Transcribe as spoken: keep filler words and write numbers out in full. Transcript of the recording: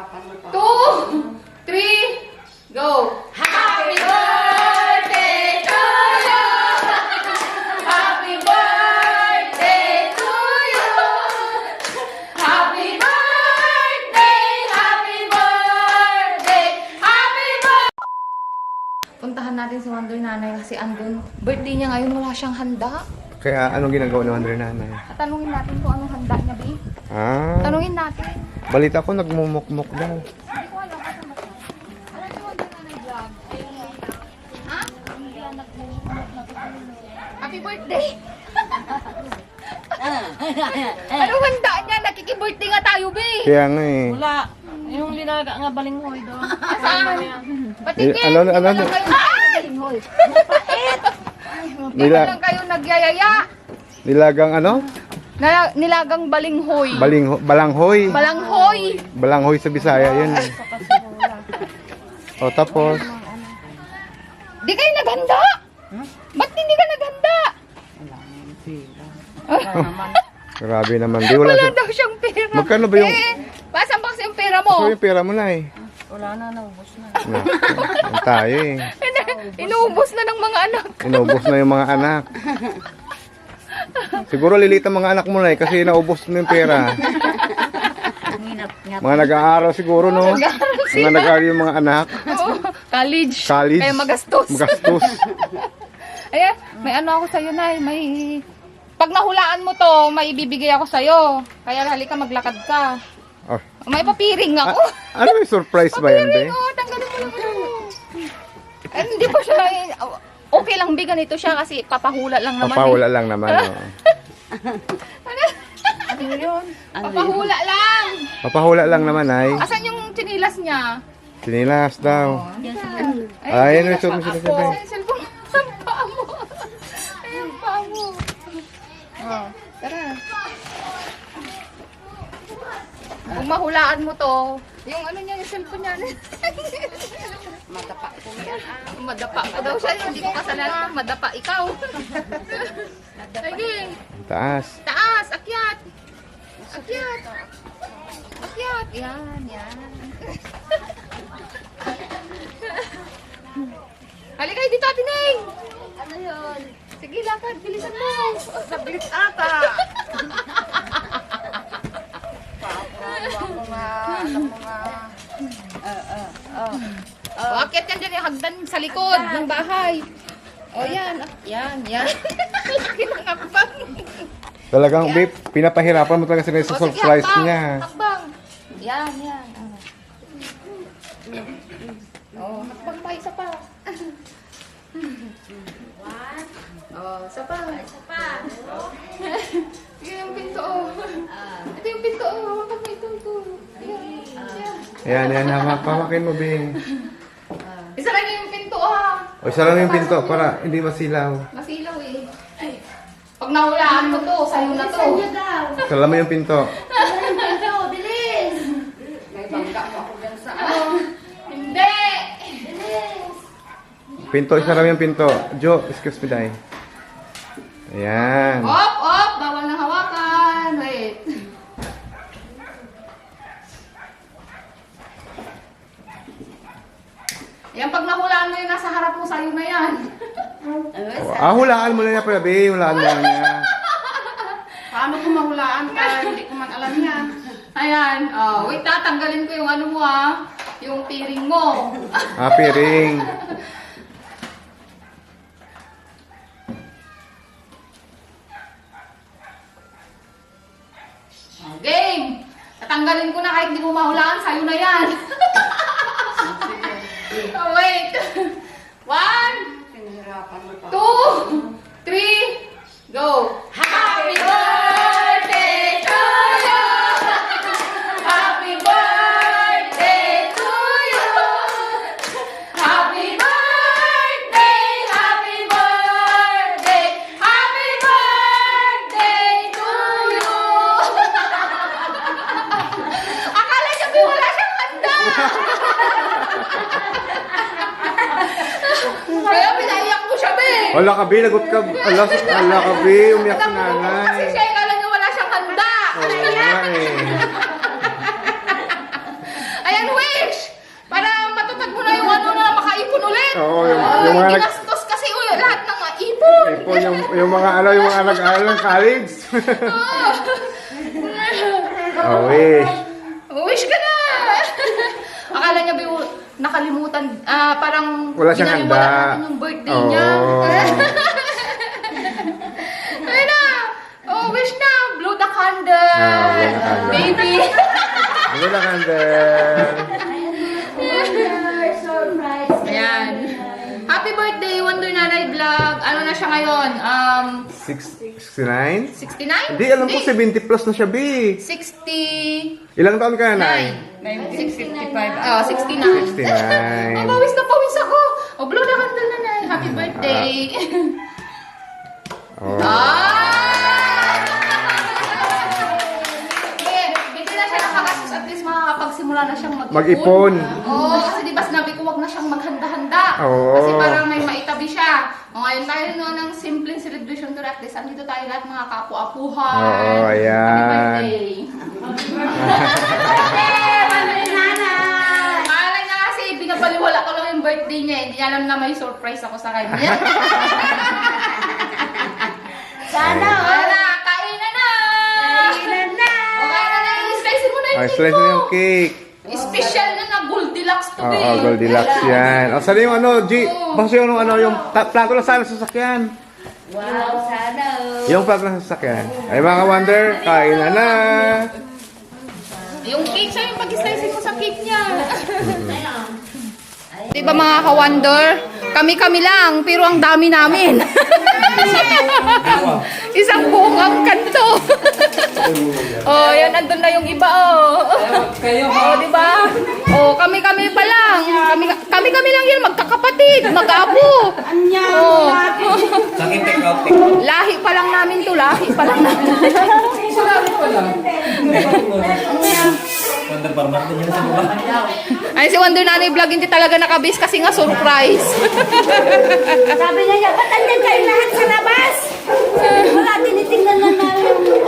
two, three, go! Happy birthday to you! Happy birthday to you! Happy birthday! Happy birthday! Happy birthday! Puntahan natin si Wonder Nanay kasi andun. Birthday niya ngayon, wala siyang handa. Kaya anong ginagawa ni Wonder Nanay? Tanungin natin kung anong handa niya, Bi. Ah, Tanungin natin. balita ko nagmumukmuk daw. Hindi ko alam kasi mas. Alam niyo Wonder Nanay vlog? Ha? Hindi yan nagmumulot na Happy birthday! Anong handa niya? Nakiki-birthday nga tayo, Bi. Kaya nga eh. Wala. Yung linaga nga balinghoy doon. Saan? Patingin! Eh, ano, ano, Hindi ano? lang kayo- Ay! Balinghoy. Hindi Nila- lang kayo nagyayaya. Nilagang ano? Na, nilagang balinghoy. Balingho, balanghoy. Balanghoy. Balanghoy sa Bisaya yun eh. O tapos, Di kayo naghanda? Ba't hindi ka naghanda? grabe naman. Di wala Wala siya. daw siyang pera. Magkano ba yung- Eh, pasan ba kasi yung pera So mo? yung pera mo na eh. Wala na, naubos na. Na, yan tayo eh. Inuubos na ng mga anak. Inubos na yung mga anak. Siguro lilit ang mga anak mo na eh kasi naubos mo yung pera. Mga nag-aaral siguro no? Mga nag-aaral yung mga anak. Oo, college. College. Kaya magastos. Magastos. Ayan, may ano ako sa'yo, Nay. May... Pag nahulaan mo to, may ibibigay ako sa'yo. Kaya halika maglakad ka. Oh. May papiring ako. Ano may surprise ba yan, be? Papiring, oh, tanggalin mo lang. ano. Eh, hindi pa siya... eh, Okay lang, Bi, ganito siya kasi papahula lang naman. Papawala lang naman. Oh. Ano yun? Papahula lang. Papahula lang naman ay. Asan yung chinilas niya? Sinilas daw. Ay, Ay, ano yung chinilas susunod ako. sabi? Ay, cellphone. Ang paa mo. Ay, ang paa mo. Oh, tara. Kung mahulaan mo to, yung ano niya, yung cellphone niya. Madapa ko yan. Madapa ko daw siya. Hindi ko kasalanan. Madapa ikaw. Sige. Taas. Taas. Akyat. Akyat. Akyat. Yan, yan. Halika dito, Ate Neng. Ano yun? Sige, lakad. Bilisan mo. Sablit ata. Oh, akyat yan dyan yung hagdan sa likod ng bahay. Oh, yan. Yan, yan. Laki ng hakbang. Talagang, babe, pinapahirapan mo talaga sila sa Oh, sige, surprise hakbang. niya. Hakbang. Yan, yan. Oh, hakbang pa, isa pa. One. Oh, isa pa. Isa pa. Yan yung pinto, oh. Ito yung pinto, oh. Hawakan mo ito, ito. Yan, yan. Ayan, ayan, hamak, hawakin mo, babe. Isa lang yung pinto, ah. O, isa lang yung pinto para hindi masilaw. Masilaw, eh. Pag nahulaan mo to, sa'yo na to. Sala mo yung pinto. May bangga mo ako dyan sa ano. Hindi! Pinto, isa lang yung pinto. Jo, excuse me, Day. Ayan. Op, op! Bawal nang hawakan. Wait. Yan, pag nahulaan mo yung nasa harap mo, sa'yo na yan. Ah, hulaan mo na niya pala, babe. Hulaan mo na niya. Paano kung mahulaan ka? Hindi ko man alam yan. Ayan. Oh, wait, tatanggalin ko yung ano mo ah. Yung piring mo. Ah, piring. Oh, game! Tatanggalin ko na kahit di mo mahulaan, sa'yo na yan. Oh, wait. One, two, three, go! Happy birthday to you! Happy birthday to you! Happy birthday! Happy birthday! Happy birthday to you! Akala niya wala siyang handa! Kaya pinaiyak mo siya, be! Wala ka, be. Lagot ka. Ala, ala ka, be. Umiyak si Kasi nanay. siya, akala niya wala siyang handa! Oo nga eh. Ayan, na nag-aaral ng college. Oh, wish. Wish ka na! Akala niya ba yung nakalimutan, ah, parang Wala siyang binaliwala handa. natin yung birthday niya. Oo. Ayun na! Oh, wish na! Blow the candle! Ah, blow the candle. Baby! Ano na candle? Ayan. Happy birthday, Wonder Nanay Vlog. Ano na siya ngayon? Um, sixty-nine? sixty-nine? Hindi, alam ko seventy plus na siya, B. sixty... Ilang taon ka na, Nay? nineteen fifty-five. Oh, sixty-nine. sixty-nine. Oh, pawis na pawis ako. Oh, blow the candle na na. Happy birthday. Oh. Ah! Eh, Hindi na siya nakagastos. At least makakapagsimula na siyang mag-ipon. Mag-ipon. Oo, kasi di ba sinabi ko wag na siyang maghanda-handa. Oo. Kasi parang may maitabi siya. O ngayon tayo no, ng simpleng celebration to at least andito tayo lahat mga kapu-apuhan. Oo, ayan. Happy birthday! Malay na kasi binabaliwala ko lang yung birthday niya. Hindi niya alam na may surprise ako sa kanya. Sana! Wala! Kainan na! Kainan na! O kaya na, i-slice mo na yung Ay, cake slice mo. mo yung cake. Special na na Goldilocks to Oo, be. oh, Goldilocks yan. O, sana yung ano, G, Oo. basta yung ano, yung ta- plato lang sana sa sasakyan. Wow, sana. Yung plato lang sa sasakyan. Ay, mga wonder, kain na na. Yung cake siya yung pag-slice mo sa cake niya. Diba mga ka-wonder? Kami-kami lang, pero ang dami namin. Isang buong ang kanto. Oh, yan, andun na yung iba, oh. Oh, diba? Oh, kami-kami pa lang. Kami- Kami-kami lang yan, magkakapatid, mag-apo. Oh. Lahi pa lang namin to, lahi pa lang namin. Wonder Farmer din yun sa baba. Ay, si Wonder Nanay Vlog hindi talaga nakabis kasi nga surprise. Sabi niya, ba't andyan kayo lahat sa labas? Wala, tinitingnan lang namin yung